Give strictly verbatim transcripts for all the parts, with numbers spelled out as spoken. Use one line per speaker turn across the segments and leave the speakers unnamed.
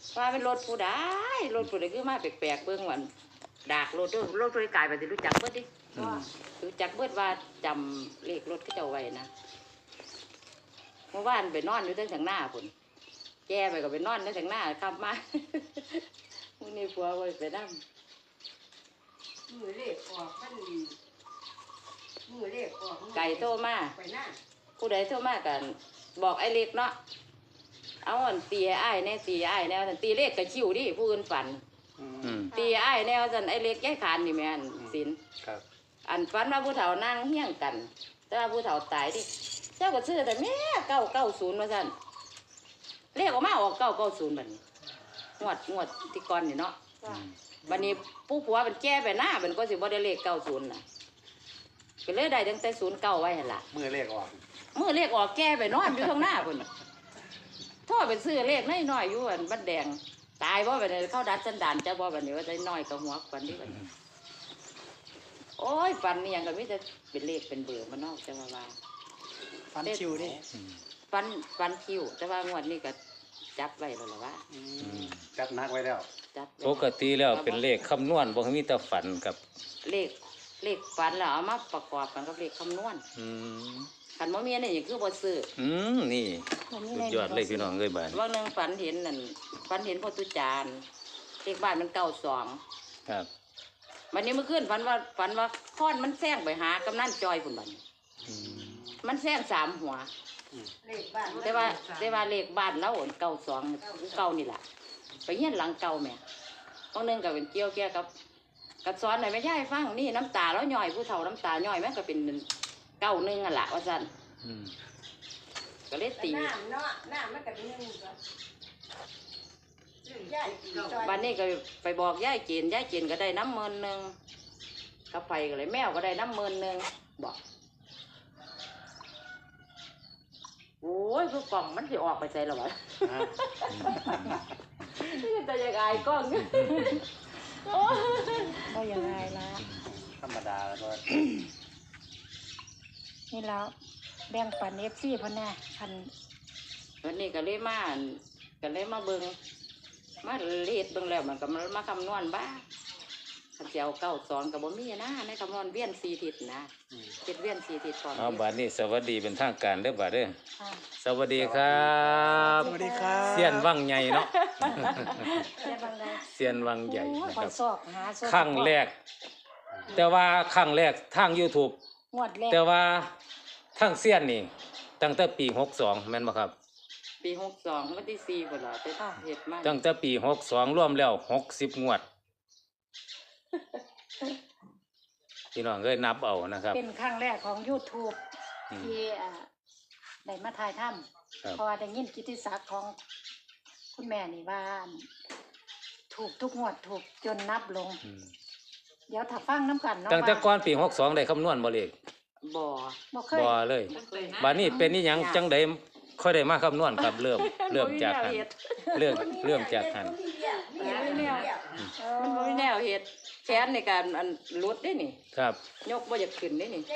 ว่าเป็นรถผู้ใดรถผู้ใดคือมาแปลกๆเบิ่งวันดากรถด้วยรถผู้ใดกลายไปสิรู้จักเบิดดิรู้จักเบิดว่าจำเลขรถเขาเจ้าไว้นะเมื่อวานไปนอนอยู่ตั้งทางหน้าพุ่นแก่ไปก็ไปนอนตั้งทางหน้ากลับมามื้อนี้ผัวไว้ไปนำ
มือเลขออกมันมือเลขออก
ไก่โตมา
ไปหน้า
ผู้ใดโตมากันบอกไอ้เล็กเนาะเอาอันตีไอ้แน่ตีไอ้แนวสันตีเลขกระชิวดิผู้อื่นฝันตีไอ้แนวสันไอ้เล็กย้ายขานนี่แม่นสินอันฝันว่าผู้เฒ่านั่งเฮี้ยงกันแต่ว่าผู้เฒ่าตายดิเจ้าก็ซื้อแต่แม่เก้าเก้าศูนย์มาสั่นเลขออกมาออกเก้าเก้าศูนย์บัดนี้งวดงวดที่ก่อนนี่เนาะบัดนี้ผู้ผัวเป็นแก้ไปหน้าเป็นก็สิบ่ได้เลขเก้าศูนย์น่ะก็เลยได้ตั้งแต่ศูนย์เก้าไว้หั่นล่ะ
มือเลขออก
มือเลขออกแก้ไปนอนอยู่ข้างหน้าพุ่นท่อไปซื้อเลขน้อยๆอยู่อันบัดแดงตายบ่บัดนี้เข้าดัดสันดานจะบ่บัดนี้ว่าได้น้อยกับหัวปันนี้บัดนี้โอ้ยปันนี่ยังก็มีแต่เป็นเลขเป็นเบอร์มันนอกจะว่าว่า
ฟันคิวดิ
ปันปันคิวแต่ว่างวดนี้ก็จับไว้แล้วล่ะว่า
จับนักไว้แล้ว
ปกติแล้วเป็นเลขคำนวณบ่มีแต่ฝันกับ
เลขเลขฝันแล้วเอามาประกอบกันกับเลขคำนวณขันบ่มีอันนี้คือบ่ซื้อ
อืมนี่สุดยอดเลยพี่น้องเอ้ยบ้าน
ว่านึงฝันเห็นนั่นฝันเห็นพ่อตุจานเลขบ้านมันเก้าสอง
ครับ
วันนี้เมื่อคืนฝันว่าฝันว่าค้อนมันแซงไปหากำนันจอยพุ่นบัดมันแซงสามหัวแต่ว่าแต่ว่าเลขบ้านแล้วเก้าสองเก้านี่แหละไปเฮียนหลังเก่าแม่ต้องนึงกับเป็นเกี่ยวแก่กับกับซ้อนไหนไม่ใช่ฟังนี่น้ำตาแล้วย่อยผู้เฒ่าน้ำตาย่อยแม่ก็เป็นเก้าหนึ่งอ่ะล่ะว่าจันก็เลยตีบ้านนี้ก็ไปบอกย่ายเจนย่ายเจนก็ได้น้ำเมินหนึ่งกาแฟก็เลยแมวก็ได้น้ำเมินหนึ่งบอกโอ้ยคือกล่องมันจะออกไปใจหรอวะนี่จะยังไงกล้อง
ก็ยังไงละ
ธรรมดาแล้วก็
นี่แล้วแบ่งปันเอฟซีพ่อแน่พัน
วันนี้ก็เลยมาก็เลยมาเบิ้งมาเลียดเบิ้งแล้วมันก็มามาคำนวณบ้าขันเจ้าเก้าสองกับบ่มีนะในคำนวณเวียนสี่ทิศนะเจ็ดเวียนสี่ทิศก่อน
เอาบาดนี้สวัสดีเป็นทางการเด้อบาดเด้อสวัสดีครับ
สวัสดีครับ
เสียนวังใหญ่เนาะ
เสีย
นวังใหญ่
นะครับ
ครั้งแรกแต่ว่าครั้งแรกทาง YouTube แต่ว่าทางเสียนนี่ตั้งแต่ปีหกสองแม่นบ่ครับ
ปีหกสองวันที่สี่พุ่นล่ะแต่เฮ็ดมา
ตั้งแต่ปีหกสองรวมแล้วหกสิบงวดพี่น้องเอ้ยนับเอานะครับ
เป็นครั้งแรกของ YouTube ที่ได้มาถ่ายทำเพราะว่าได้ยินกิตติศักดิ์ของคุณแม่นี่ว่าถูกทุกงวดถูกจนนับลงเดี๋ยวถ้าฟังน้ำกันเนาะ
ตั้งแต่ก่อนปีหกสองได้คำนวณบ่เลข
บ่
บ่เคย
บ่เลยบัดนี้เป็นนี่หยังจังได๋ค่อยได้มาคำนวณครับเริ่มเริ่มจากหันเริ่มเริ่มจากหัน
มันบ่มีแนวเฮ็ดแขนในการอันลุดได้นี่
ครับ
ยกบ่อยากขึ้นได้นี่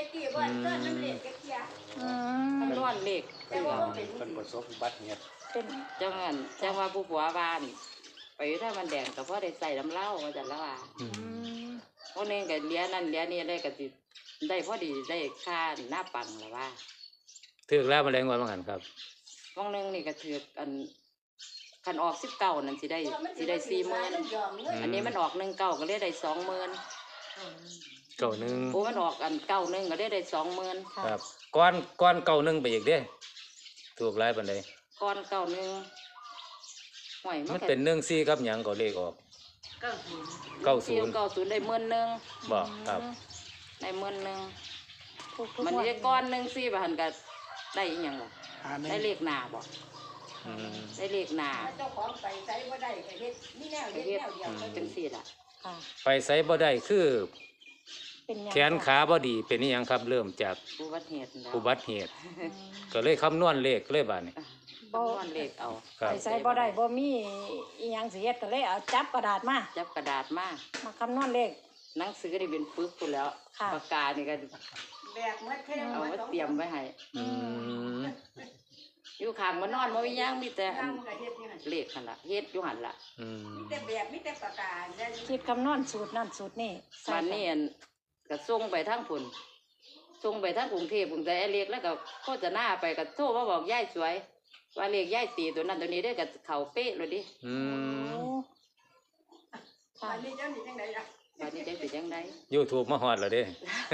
คำนวณเลข
เป็นประสบบัติเหตุ
เป็นจังงั้นจังว่าผู้ผัวบ้านไปถ้ามันแดงก็พอได้ใส่น้ำเหล้าว่าจังละว่าพวกนึงก็เลี้ยนั่นเลี้ยนี่ได้ก็สิได้พอดีได้ค่าหน้าปังละว่า
ถือแล้วมาแรงวันบางหันครับ
วงนึงนี่ก็ถืออันคันออกสิบเก้านั่นสิได้สิได้สี่หมื่นอันนี้มันออกหนึ่งเก้าก็ได้ได้สองหมื่น
เก้าหนึ่ง
โอ้มันออกอันเก้าหนึ่งก็ได้ได้สองหมื่น
ครับก้อนก้อนเก้าหนึ่งไปอีกเด้ถูกไล่ปันใด
ก้อนเก้าหนึ่งห่วย
มันเป็นหนึ่งสี่ครับหยังก็เลขออก
เก้าศูนย์เก้าศูนย์เก้าศูนย์ได้หมื่นหนึ่ง
บอกครับ
ได้หมื่นหนึ่งมันได้ก้อนหนึ่งสี่บาทก็ได้อีกอย่างหรอได้เลขหนาบอกได้เลขหนา
เจ้าของไปใส่บ่ได้ก็เฮ็ดนี่แนวเฮ็ดแนวเดียว
จังซี่ล่ะ
ไปใส่บ่ได้คือแขนขาบ่ดีเป็นนี่ยังครับเริ่มจาก
อุบัติเหตุ
อุบัติเหตุก็เลยคำนวณเลขเลยบาดนี้
คำนวณเลขเอา
ไปใส่บ่ได้บ่มีอีหยังสิเฮ็ดก็เลยเอาจับกระดาษมา
จับกระดาษมา
มาคำนวณเลข
หนังสือได้เป็นปึกพุ่นแล้วปากกานี่ก็
แบกมัดเท่
เอาไว้เตรียมไว้ให้อยู่ข้างมันนอนบ่มีหยังมีแต่อั
นั่
น
งกับเฮ็ดนี่หั่น
เลขหั่นล่ะเฮ็ดอยู่หั่นล่ะ
อืม
มีแต่แบบมีแต่ประกาศแล้ว
คิดคำนวณสูตรนั่นสูตรนี่ใส่
บ้าน
กั
นี้อันก็ส่งไปทางพุ่นส่งไปทางกรุงเทพกรุงแต่ไอ้เล็กแล้วก็โฆษณาไปก็โทรมาบอกยายสวย ว่าเลขยายตีตัวนั้นตัวนี้ได้อก็เข้าเป๊ะเลยดิ
อื
โอ้
ม
ค่ะ
อันนี้เจ้านี่จังไดล่ะ
บัดนี้ได้เป็นจังได
YouTube มาฮอดแล้วเด้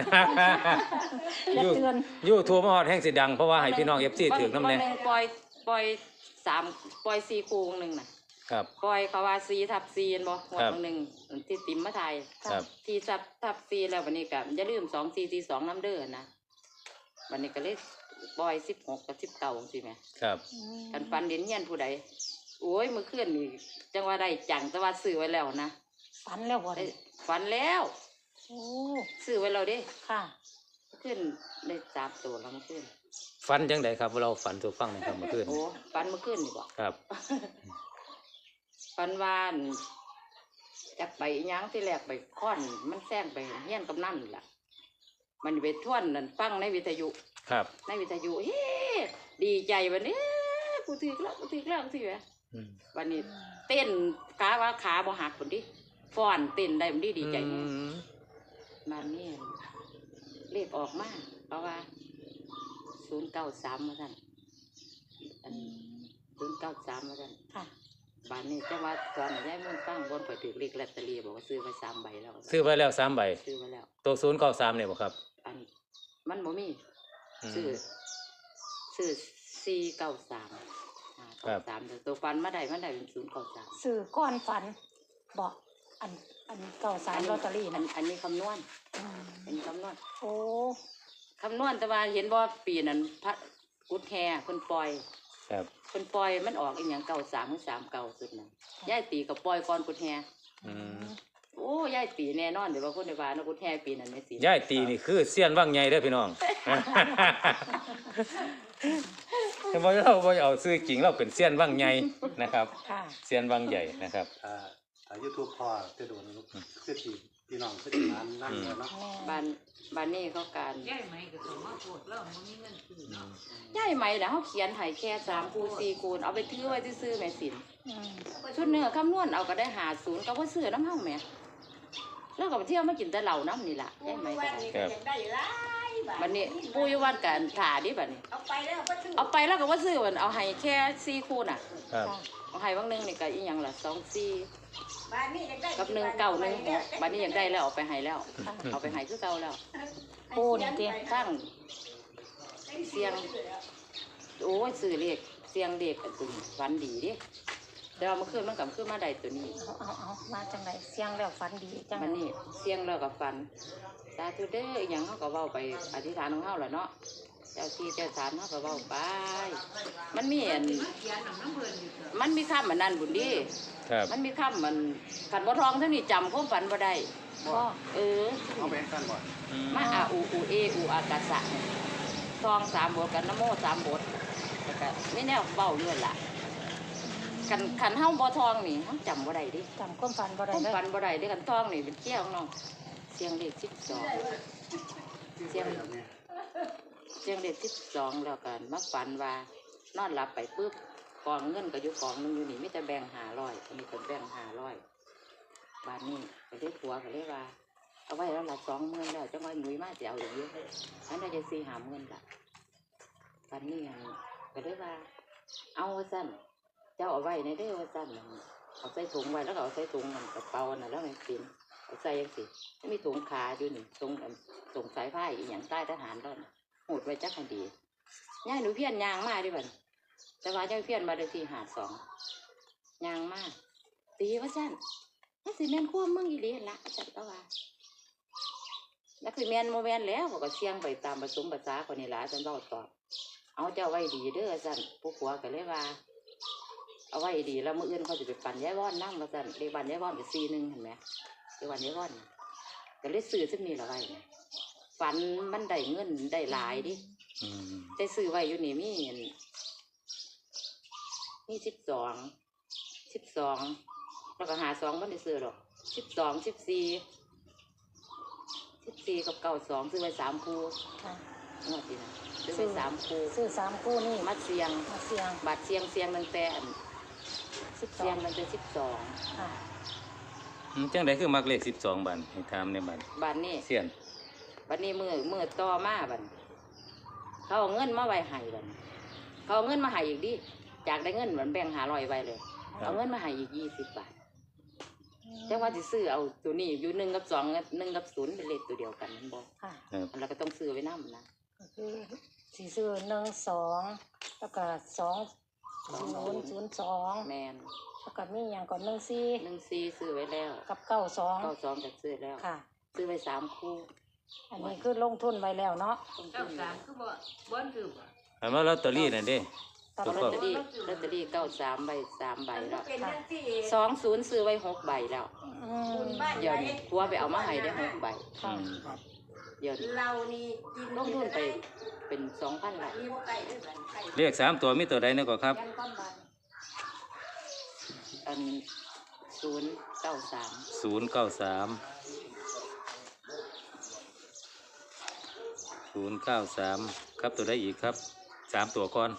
อย่าเตือน
YouTube มาฮอดแห่งสิดังเพราะว่าให้พี่น้อง เอฟ ซี ถือนำแน่
บ่งปล่อยปล่อยสามปล่อยสี่คูงหนึงน่ะ
ครับ
ปล่อยเขาว่าสี่ทับสี่เห็นบ่หัว
ครับ
หนึ่งที่ติมมาไทย
ครับ
ที่ทับทับสี่แล้ววันนี้ก็อย่าลืมสองสี่สี่สองน้ำเด้อนะวันนี้ก็เลยปล่อยสิบหกกับสิบเก้าสิแหม่
ครับ
อืม
กันฟันเด่นเฮียนผู้ใดโอ้ยเมื่อคืนนี่จังว่าได้จังแต่ว่าซื้อไว้แล้วนะ
ฝันแล้วบ่
ได้
ได้
ฝันแล้ว
โอ้
ซื้อไว้แล้วเด้
ค่ะ
เมื่อคืนได้สามตัวแล้วเมื่อคืน
ฝันจังไดครับเราฝันสู่ฟังหนะครับเมื่อคืน
โอ้ฝันเมื่อคืนนี่บ่
ครับ
ฝันวาอั่นจักไปอิหยังที่แรกไปค้อนมันแซงไปเฮียนกำนันนี่ล่ะ มันไปท่วนนั่นฟังในวิทยุ
ครับ
ในวิทยุเฮ้ดีใจวันนี้กูถือแล้วกูถือแล้วกูถือแล้ว
อืม
วันนี้เต้นกาว่าขาบ่หักคนดิฟ้อนเต้นได้มันดีดีใจ
อื
แน่
ม
มานี่เลขออกมาเพราะว่าศูนย์เก้าสามมาท่านศูนย์เก้าสามมาท่าน
ค่ะ
บ้านนี้จังว่าตอนย้ายมุ่นฟังบนไปถือเลขลอตเตอรี่บอกว่าซื้อไปสามใบแล้ว
ซื้อไว้แล้วสามใบ
ซื้อไว้แล้ว
ตัวศูนย์เก้าสามเนี่ยบ่ครับ
อันมันบ่มี
อืม
ซื้อซื้อสี่เก้าสาม
ครับ
สามตัวฟันมาได้มาได้เป็นศูนย์เก้าสาม
สื่อก้อนฝันบอกอันอันเก่าสารลอตเตอรี่
อั
นะ
นอันนี้คำนวณ
อืม
อันนี้คำนวณ
โอ้
คำนวณแต่ว่าเห็นว่าปีนั้นพระกุดแฮคนปล่อย
ครับ
คนปล่อยมันออกอีหยังเก่าสามหรือสามเก่าสุดนะย่ายตีกับปล่อยก่อนกุดแฮ
อืม
โอ้ย่ายตีแน่นอนเดี๋ยวว่าคนในบ้านนะกุดแฮปีนั้นไม่สิ
ย่ายตีนี่คือเสี้ยนว่างใหญ่เด้อพี่น้อง แต่ว่าเราบ่เอาซื้อจริงเราเป็นเสี้ยนว่างใหญ่นะครับ
ค่ะ
เสี้ยนว่างใหญ่นะครับ
ถ้าถ้า YouTube พอจะโดนคือที่พี่น้องคือที่นั้นนั่งเลยเนาะ
บ้านบ้านนี้เขาการ
ย่ายไหมก็ต้องมาโพดแล้วมันมีเงินซื้อเนาะ
ย่ายไหมนะเขาเขียนให้แค่สามคูณสี่คูณเอาไปถือไว้ซื้อๆแม่สิน
อืม
ชุดเนื้อคำนวณเอาก็ได้หาศูนย์ก็ว่าซื้อน้ำเฮาแหม่แล้วก็ไปเที่ยวมากินแต่เหล้าน้ำนี่ล่ะย่ายไหมก็
วัน
ได้
นี้ก็อยากได้หลายบาท
บัดนี้ปูอยู่วันกันถ่าดิบัดนี้
เอาไปแล้วก็ซื้อ
เอาไปแล้วก็ว่าซื้อมันเอาให้แค่สี่คูณน่ะ
ครับ
ค่ะ
เอาให้บางหนึงนี่ก็อีหยังล่ะสองสี่
บ้านนี้อยากได้
กับหนึ่งเก้าหนึ่งหกบัดนี้ยังได้แล้วเอาไปให้แล้ว
ค่ะ
เอาไปให้คือเก่าแล้ว
ปูนี่เตี้ย
ตั้งเสียงโอ้ยซื้อเลขเสียงเลขอันตัวนี้ฝันดีเดิแต่ว่าเมื่อคืนมันกลับขึ้นมาได้ตัวนี้
เอาเอาเอามาจังไรเสียงแล้วฝันดีจัง
มันนี่เสียงแล้วกับฝันสาธุเด้ออหย่างเขาก็เว้าไปอธิษฐานของเขาแหละเนาะเจ้าที่เจ้าฐานเขาก็เว้าไป มันมีอัน
เขียนน้ำน้ำเพิ่นอยู่เถอะ
มันมีคำมันนั่นบุญดี
ครับ
มันมีคำมันขันบ่ทองเท่านี้จำความฝันบ่ได้
พ่อ
เออ
เอาไปกันบ่
อืม
มาอาอูอูเออูอากาศะเนี่ยทองสามบทกันนะโมสามบทแล้วก็ไม่แน่เบ้าเงื่อนล่ะขันขันเฮาบ่ทองนี่เฮาจำบ่ได้ดิ
จำความฝันบ่ได้
ความ
เลย
ฝันบ่ได้เด้กันทองนี่เป็นเกี้ยวน้องเสียงเลขสิบสองเสียง
แบบนี้
เสียงเลขสิบสองแล้วกันมาฝันว่านอนหลับไปปุ๊บกองเงินก็อยู่กองหนึงอยู่นี่มีแต่แบ่งห้าร้อยมีคนแบ่งห้าร้อยบาทนี้ก็เลยผัวก็เลยว่า เอาไว้แล้วละสองหมื่นแล้วจังว่าหนุ่ยมาจะเอาอย่างเยอะอันนั้นจะสี่หาหมื่นละบาทนี้อันก็เลยว่า เอาว่าสั้นเจ้าเอาไว้ในเด้อว่าสั้นนั่นเอาใส่ถุงไว้แล้วก็เอาใส่ถุงมันกระเป๋าน่ะแล้วมันปินเอาใส่ยังสิไม่มีถุงขาอยู่นี่ถุงอันถุงสายผ้าอีหยังใต้ทหารแล้วน่ะโหดไว้จักให้ดีย่ายหนูเพี้ยนยางมาดิบันแต่ว่าย่ายเพี้ยนมาได้ที่หาดสองยางมาตีว่าสั้นนั่นสิแม่นขั้วมึงอีหลีหั่นละอาจารย์ก็ว่าแล้วคือแม่นโมแม่นแล้วเขาก็เสี่ยงไปตามผสมภาษาคนนี้ละอาจารย์เล่าตอบเอาเจ้าไว้ดีเด้ออาจารย์ผู้ผัวก็เลยว่า เอาไว้ดีแล้วมื่ออื่นเขาจะไปปั่นย้ายว่อนนั่งมาสั่นเรียกวันย้ายว่อนไปซีหนึ่งเห็นไหมเรียกวันย้ายว่อนน่ะก็เลยซื้อซึ่งมีละไว้น่ะฝันมันได้เงินได้หลายดิ
อืม
ได้ซื้อไว้อยู่นี่มีอันมีสิบสองสิบสองแล้วก็หาสองมันได้ซื้อหรอกสิบสองสิบสี่สิบสี่กับเก้าสองซื้อไว้สามคู่
ค่ะ
งวดที่นะซื้อไปสามคู่
ซื้อสามคู่นี่
มัดเสียง
มาเสียง
บัตรเสียงเสียงตั้งแต่อัน
สิบสอ
เสีย
ง
งตั้งแต่สิบสอง
ค่ะ
อืมจังไดคือมักเลขสิบสองบันให้ถามในบัน
บัตรนี่
เสียน
บัตรนี้มือมือต่อมาบัตรเขาเอาเงินมาไว้ให้บัตรเขาเอาเงินมาให้อีกดิจากได้เงินเหมือนแบ่งหาลอยไว้เลยเอาเงินมาให้อีกยี่สิบบาทแต่ว่าจะซื้อเอาตัวนี้อยู่หนึ่งกับสองหนึ่งกับศูนย์เป็นเลขตัวเดียวกันนั่นบอก
ค่ะ
ครับ
เราก็ต้องซื้อไว้น้ำนะ
ก็คือสี่ซื้อหนึ่งสองแล้วก็สองศูนย์ศูนย์สอง
แมน
แล้วก็มีอย่างก่อนหนึ่งสี่
หนึ่งซีซื้อไว้แล้ว
กับเก้าสอง
เก้าสองจะซื้อแล้ว
ค่ะ
ซื้อไว้สามคู่
อันนี้คือลงทุนไว้แล้วเนาะ
เจ้าสามคือบ่บ่นคือบ่
อันว่าลอตเตอรี่นั่นเด้
ตอน
ถูก
ล
ต้
อ
อ
ต
ง
เตอรี่ลอตเตอรี่เก้าสามใบสามใบ
มันก็
แล้ว
เป็นจังซี่
สองศูนย์ซื้อไว้หกใบแล้ว
อื
บุ
ม
ญบ้าน
เดี๋ยวนี้กลัวไปเอามาให้ได้หกใบ
อืม
เดี๋ยวนี้
เรานี่กิน
ลงทุนไปเป็นสองพันละ
มีบ่ไก่ด้วยกันไก่
เลขสามตัวมีตัวใดเนี่ยก็ครับ
ยันก้อนบาน
อันศูนย์เก้าสาม
ศูนย์เก้าสามศูนย์เก้าสามครับตัวใดอีกครับสามตัวก่อน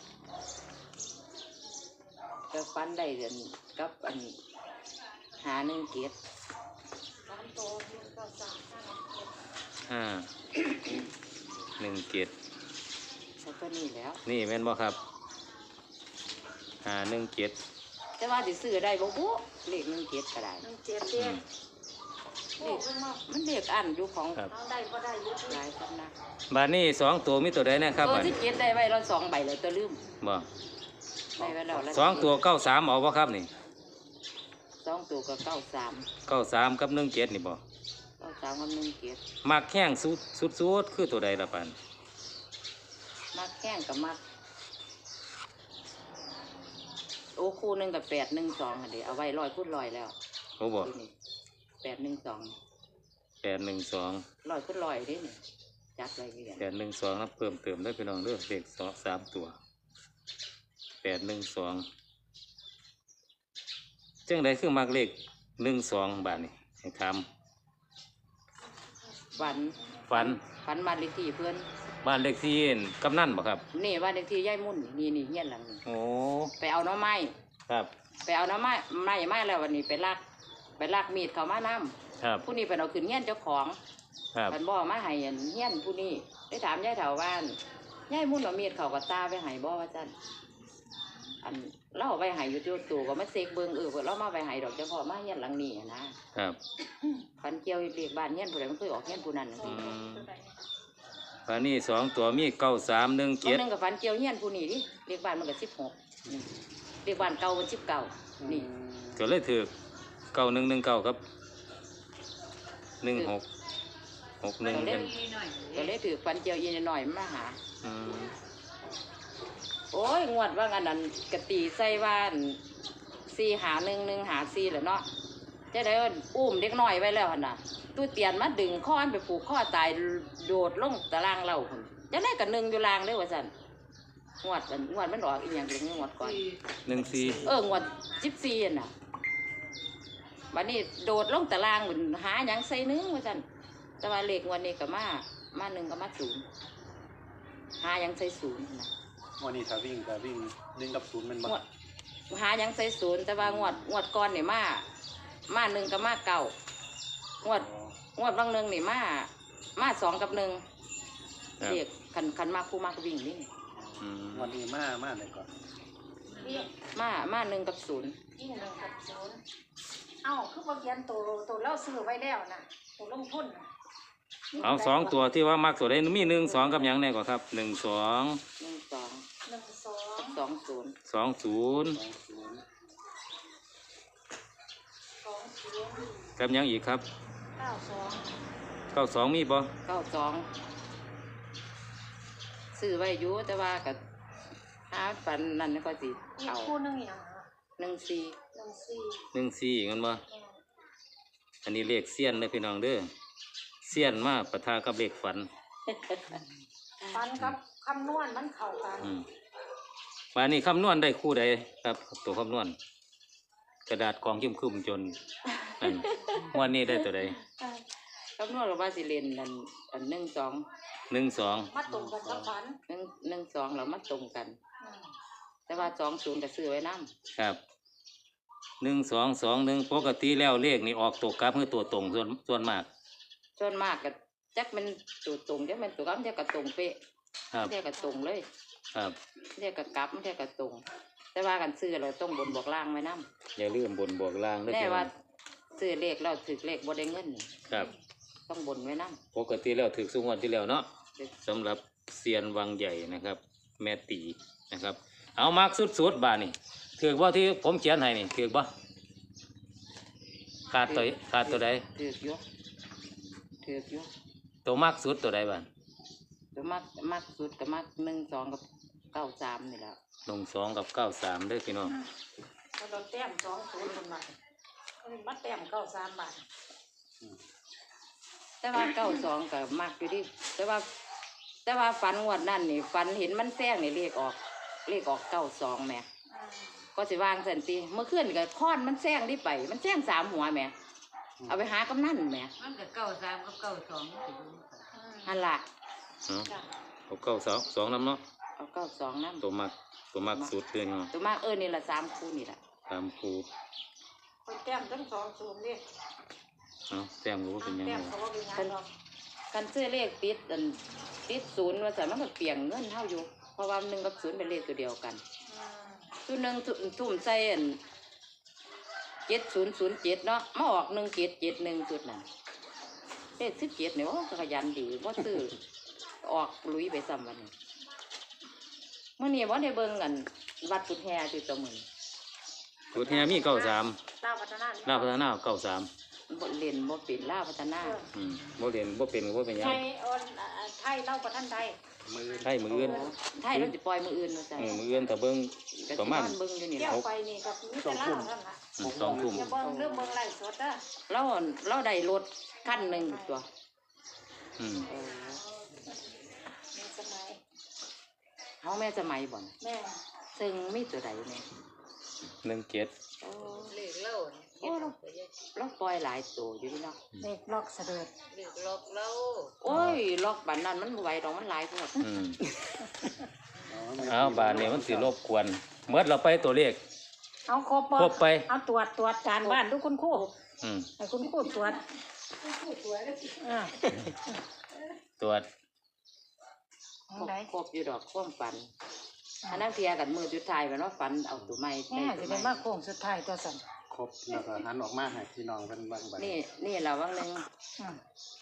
ก็ฟันได้เดือนกับอันหาหนึ่งเกียรติ
สามโตหนึ่งเก้าสามห้าหนึ่งเจ็ด
ห้าหนึ่งเจ็ด
ใช่ก็นี่แล้ว
นี่แม่นบ่ครับห้าหนึ่งเจ็ด
แต่ว่าสิซื้อได้บ่บุเลขหนึ่งเกียรติก็ได้
หนึ่งเจ็ดเจ็ด
เลขมันเลขอันอยู่ของ
ครับ
เอาได้ก็ได้อยุติ
หลายสำนัก
บาทนี้สองตัวมีตัวใดเนะครับ
ตัว
บัด
ที่เกียรติได้ไว้เราสองใบเลยตัวลืม
บ่
ได้ไว้แล้วแล้ว
สองตัวเก้าสามเอาบ่ครับนี่
สองตัวก็เก้าสาม
เก้าสามกับหนึ่งเจ็ดนี่บ่
เก้าสามกับหนึ่งเกียรติ
มักแข้งสุดสุดสุดคือตัวใดละปัน
มักแข้งกับมักโอ้คู่หนึ่งกับแปดหนึ่งสองอันเดียวเอาไว้ลอยพูดลอยแล้ว
โอ้บ่
ที่นี่แปดหนึ่งสอง
แปดหนึ่งสอง
ลอยพูดลอยเดินี่จัดไว้เรียน
แปดหนึ่งสองนะเพิ่มเติมได้พี่น้องเด้อเลขสองสามตัวแปดหนึ่งสองจังใดคือมักเลขหนึ่งสองบาทนี่ให้ท
ฝัน
ำฝัน
ฝันบ้านเลขที่เพื่อน
บ้านเลขที่กำนันบ่ครับ
นี่บ้านเลขที่ย่ายมุ่นนี่นี่เฮียนหลังนี่
โอ้
ไปเอาหน้ำไม้
ครับ
ไปเอาหน้ำไม้ไม้ไม้แล้ววันนี้ไปลากไปลากมีดเขามาน้
ครับ
ำผู้นี้เป็นเอาขึ้นเฮียนเจ้าของ
ครับ
มันบอกมาให้อันเฮียนผู้นี้ได้ถามยายแถวบ้านยายมุ่นเอามีดเขากับตาไปให้บ่ว่าจันอันเราเอาไปให้อยู่ตัวตัวก็มาเสกเบิงเออเพิ่นเรามาไปให้ดอกเจ้าพ่อมาเฮียนหลังนี้อะนะครับ ฟันเกี่ยวเรียกบ้านเฮียนผู้ใดมันเคยออกเฮียนผู้นั้น
อืมบ้านนี้สองตัวมีเก้าสามหนึ่ง
ตัว
เจ็ด
หนึงกับฟันเกี่ยวเฮียนผู้นี้ดิเรียกบ้านมันก็สิบหกเรียกบ้านเก่ามันสิบเก้านี่
ก็เลยถือเก้าหนึ่งหนึ่งเก้าครับหนึ่งหกหกหนึ่ง
ก็เล
เป็
ย
น
หน่อย
ก็เลยถือฟันเกี่ยวอีนหน่อยๆมาหา
อืม
โอ้ยงวดว่างันนั้นกะตีใส่บ้านสี่หาหนึ่งหนึ่งหาสี่แหละเนาะจะได้ว่าอุ้มเด็กน้อยไว้แล้วหั่นน่ะตู้เตียนมาดึงข้ออันไปผูกข้อตายโดดลงตารางเราคนจะได้กับหนึ่งอยู่ลางเด้อว่าสันงวดอันงวดมันออกอีกอย่างหนึ่งงวดก่อน
หนึ่งสี่
เอองวดสิบสี่อันน่ะวันนี้โดดลงตารางเหมือนหาหยังใส่หนึงว่าสันแต่ว่าเลขงวันนี้ก็มามาหนึ่งก็มาศูนย์หาหยังใส่ศูนย์นะ
วันนี้ถ้าวิ่งก็วิ่งหนึ่งกับศูนย์แมันบ่
งวดหาหยังใส่ศูนย์แต่ว่างวดงวดก่อนนี่มามาหนึ่งกับมาเก่างวดงวดบางหนึ่งนี่มามาสองกับหนึ่ง
ครับ
เรียกคันคันมากคู่มากวิ่งนี่
อืม
วันนี้มามาไหนก่อน
วิ่ง
มามาหนึ่งกับศูนย์
วิ่งหนึ่งกับศูนย์เอ้าคือบ่เขียนตัวตัวเราซื้อไว้แล้วน่ะตัวลงทุนน่ะ
เอาสองตัวที่ว่ามักตัวใดมีหนึ่งสองกับหยังแน่กว่าครับหนึ่งสอง
หนึ่งสอง
หนึ่งสอง
กับสองศูนย์
สองศูนย์
สองศูนย์
สองศูนย์
กับหยังอีกครับ
เก้าสอง
เก้าสองมีบ่
เก้าสองซื้อไว้อยู่แต่ว่ากับหาฝันนั่นก็สิ
อีก
เอา
คู่หนึงอย่างอ่ะ
หนึ่งสี่
หนึ่งสี่
หนึ่งสี่อีกมันบ่
แม่
อันนี้เลขเสี้ยนเลยพี่น้องเด้อเสี้ยนมาปะทะกับเลขฝัน
ฟันกับคำนวณมันเข้ากัน
อืมวันนี้คำนวณได้คู่ใดครับ ตัวคำนวณ กระดาษกองคุ้มคุ้มๆจนนั่นวันนี้ได้ตัวใด
เอ่อ
คำนวณว่าสิเล่นนั่นอันหนึ่งสอง
หนึ่งสอง
มาตรงกันกับฝัน
หนึ่งหนึ่งสองแล้วมันตรงกัน
อืม
แต่ว่าสองศูนย์ก็ซื้อไว้น้
ครับหนึ่งสองสองหนึ่งปกติแล้วเลขนี่ออกตัวกลับคือตัวตรงส่วนส่วนมาก
ำส่วนมากก็จักมันตัวตรงจักมันตัวกลับมันจะกระตรงเป๊ะ
ครับ
มันจะกระตรงเลย
ครับ
มันจะกระกลับมันจะกระตรง แต่ว่ากันซื้อเราต้องบนบอกล่างไว้น้
อย่าลืมบนบวกล่าง
ำ
ด้วย
แน่
พี่น้
ว่า
อง
ซื้อเลขเราถือเลขบ่ได้เงินนี่
ครับ
ต้องบนไว้น้
ปกติแล้วถือสุงวันที่แล้วเนาะ
ำ
สำหรับเซียนวังใหญ่นะครับ แม่ตีนะครับ เอามากสุดๆบาทนี่ถือว่าที่ผมเขียนให้นี่ถือบ่ขาดตัวขาดตัวใด
ถือกอยกถือกอยก
ตัวมากสุดตัวใดบ้าง
ตัวมักมักสุดก็มักหนึ่งสองกับเก้าสามนี่แหละ
ลงสองกับเก้าสามเด้อพี่น้อง
เราโดนแต้มสองศูนย์คนมามาแต้มเก้าสามบาท
แต่ว่าเก้าสองก็มักอยู่ดิแต่ว่า แต่ว่าฝันงวดนั่นนี่ฝันเห็นมันแซงนี่เลขออกเลขออกเก้าสองแหม่ก็สิวางสันติเมื่อคืนก็ค้อนมันแซงที่ไป มันแซงสามหัวแหม่เอาไปหากำนันแหม่
มันก็เก้าสามกับเก้าสองมันสิรู้กัน
ฮันละ
เนาะเอาเก้าสองสองน้ำเนาะ
เอาเก้าสองนั่น
ตัวมักตัวมักสุดเลยเนาะ
ตัวมากเออนี่ละสามคู่นี่แหละ
ตามครู
คนแต้มทั้งสองศูนย์นี่
เนาะแต้มก็บ่เป็นหยัง
แต้ม
ไง
เขาว่าเป็นยังหรอก
กันซื้อเลขติดอันติดศูนย์ว่าแต่มันก็เปลี่ยนเงินเท่าอยู่ เพราะว่าหนึ่งกับศูนย์เป็นเลขตัวเดียวกัน
อืม
ตัวหนึ่งทุ่มทุ่มใส่อันเจ็ดศูนย์ศูนย์เจ็ดเนาะมาออกหนึ่งเจ็ดเจ็ดหนึ่งจุดนั่นเลขสิบเจ็ดเนี่ยโอ้ขยันดีว่าซื้อออกลุยไปซ้ำวันนี้เมื่อนี้ว่าได้เบิ่งกันวัดกุฎแฮจุดตัวมือ
สุดแฮมีเก้าสาม
ลาวพัฒนา
ลาวพัฒนาเก้าสาม
บ่เล่นบ่เป็นล่าวพัฒนา
อืมบ่เรียนบ่เป็นก็บ่เป็นหยั
ไท
ง
ยออนไทยเล่าประทันไทย
มือ
ใช่มืออื่น
ไทยเราจะปล่อยมืออื่นมาใส่
เออมืออื่นถ้าเบิ่ง
ก็
ประ
สิ
มาณ
นอนเบิ่งอยู่นี่
เที่
แห
ยว
ละ
ไปนี่กับมีแต่เล่านั่นล่ะ
อืมสองทุ่ม
อย่าเบิ่งเรื่องเบิ่งไล่สดเด้อ
เราเราได้รถคันหนึ่งตัว
อืม
เออ
มีสมัย
เฮาแม่สมัยบ่น
แม่
ซึ่งมีตัวใดแม่
หนึ่งเจ็ด
โอ้
เลขเล่าน่ะเฮ็ดเอาไปเยอะ
เราปล่อยหลายตัวอยู่พี่เนาะ
เด็กลอกเสด็จ
เลขลอกเล่า
โอ้ยล็อกบันนั้นมันบ่ไหวดอกมันหลายโพด
อืมเอาบาทนี้มันสิรบกวนเมื่อเราไปตัวเลข
เอาครบบ่
ครบไป
เอาตรวจตรวจการบ้านทุกคุณครู
อืม
ให้คุณครูตรวจอ่า
ตรวจ
ครบครบอยู่ดอกความฝันอันนั้นเพียกันมือจุดท้ายมันว่าฝันเอาตัวใหม่
แม่จะเป็นว่าโค้งสุดท้ายตัวสั่น
ครบแล้วก็หันออกมาให้พี่น้องเพิ่นเบิ่งบัด
นี่นี่เราวังหนึง
อืม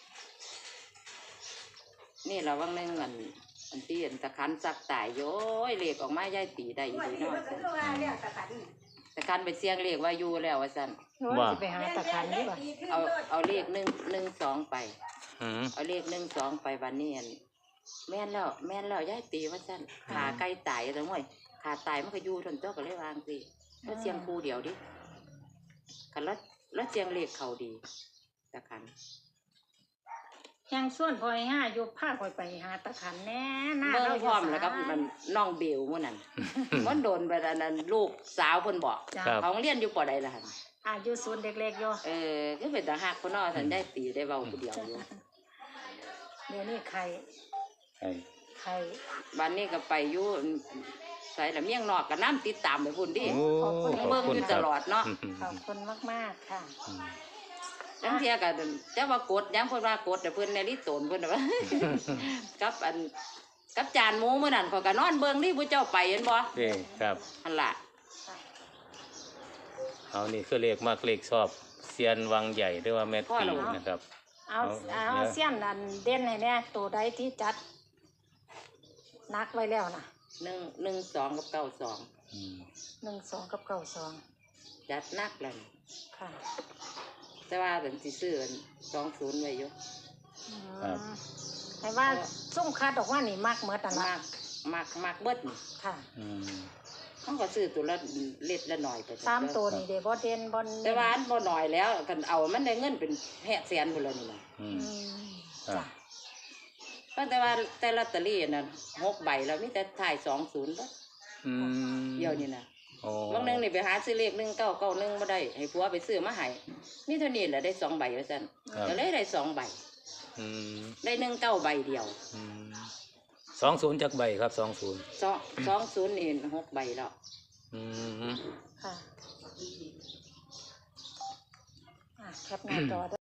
นี่เราวังหนึงอันอันที่อันตะคันซักตายโย้ยเลขออกมาย่ายตีได้อยู่ดีเนาะตะคันไปเสียงเลขว่าอยู่แล้วว่าซั่น
โอ้ยสิไปหาตะคันดีกว่า
เอาเอาเลขหนึ่งหนึ่งสองไป
อืม
เอาเลขหนึ่งสองไปวันนี้อันแม่นแล้วแม่นแล้วย่ายตีว่าซั่นขาไก่ตายจังหวะขาตายมันก็อยู่ทนเจ้าก็เลยวางสิแล้วเสียงครูเดียวดิคันแล้วแล้วเสียงเลขเขาดีตะคัน
ยังส่วนพอยห้าอยู่ผ้าคอยไปหาตะขันแน่หน้า
เบิ่
เรา
งพร้อมแล้วกับมันน้องเบลมื้อนั้น มันโดนไปอันนั้นลูกสาวเพิ่นบอก
จ้ะ
ครับ
เขาเรียนอยู่ปอใดล่ะหั่น
อายุศูนย์เด็กๆอยู่
เออคือเป็นตาฮักเพิ่นเนาะท่านได้ตีได้เว้าผู้เดียวอยู่
เดี๋ยวนี้ไข่
ไอ้
ไข่
บ้านนี้ก็ไปอยู่ใส่ละเมียงนอกก็น้ำติดตามไปพุ่นดิ
โอ้ขอบ
เบิ่ง
คุ
อ
ณ
ยู่
ค
ต
รับ
ลอดเนาะ
อืม
ขอบคุณมากๆค่ะ
อืม
จังเที่ยก็แต่ว่ากดยังเพิ่นว่ากดแต่เพิ่นในลิโตนเพิ่นน่ะว่า กับอันกับจานหมูมื้อนั้นเขาก็นอนเบิ่งนี่ผู้เจ้าไปเห็นบ่
เด้ครับ
หั่นล่ะ
เอานี่คือเลขมากเลขชอบเซียนวังใหญ่หรือว่าแม่ตีนะครับ
เอา
เอา
เอา
เดี๋ยว
เสี้ยนอันเด่นให้แน่ตัวใดที่จัดนักไว้แล้วนะ
หนึ่งหนึ่งสองกับเก้าสอง
อืม
หนึ่งสองกับเก้าสอง
จัดหนักแล้วนี่
ค่ะ
แต่ว่าเป็นสิซื้อสองศูนย์ไว้อยู่
อืมให้ว่าส่งคัดออกว่านี่มากเมื่อตัน
มาก
ละ
มากมากเบิดนี่
ค่ะ
อืม
เขาก็ซื้อตัวละเล็ดละหน่อยไป
สามตัวนี่เดบอเด่นบอล
แต่ว่าอันบ่หน่อยแล้วกันเอามันได้เงินเป็นแหกแสนพุ่นแล้วนี่นะ
อื
อื
ม
ม
ครับ
จ้ะ
แต่ว่าแต่ลอตเตอรี่น่ะหกใบแล้วมีแต่ถ่ายสองศูนย์บ่
อืม
เดียวนี่นะ
โอ๋อ
บางนึงนี่ไปหาซื้อเลขหนึ่งเก้าเก้าหนึ่งมาได้ให้ผัวไปซื้อมาให้มีเท่านี้แหละได้สองใบว่าซั่นก็เลยได้สองใบ
อืม
ได้หนึ่งเก้าใบเดียว
อืมสองศูนย์จากใบครับสองศูนย์
สองสองศูนย์นี่หกใบแล้ว
อืม
ค่ะอ่ะแคปหน้าจอ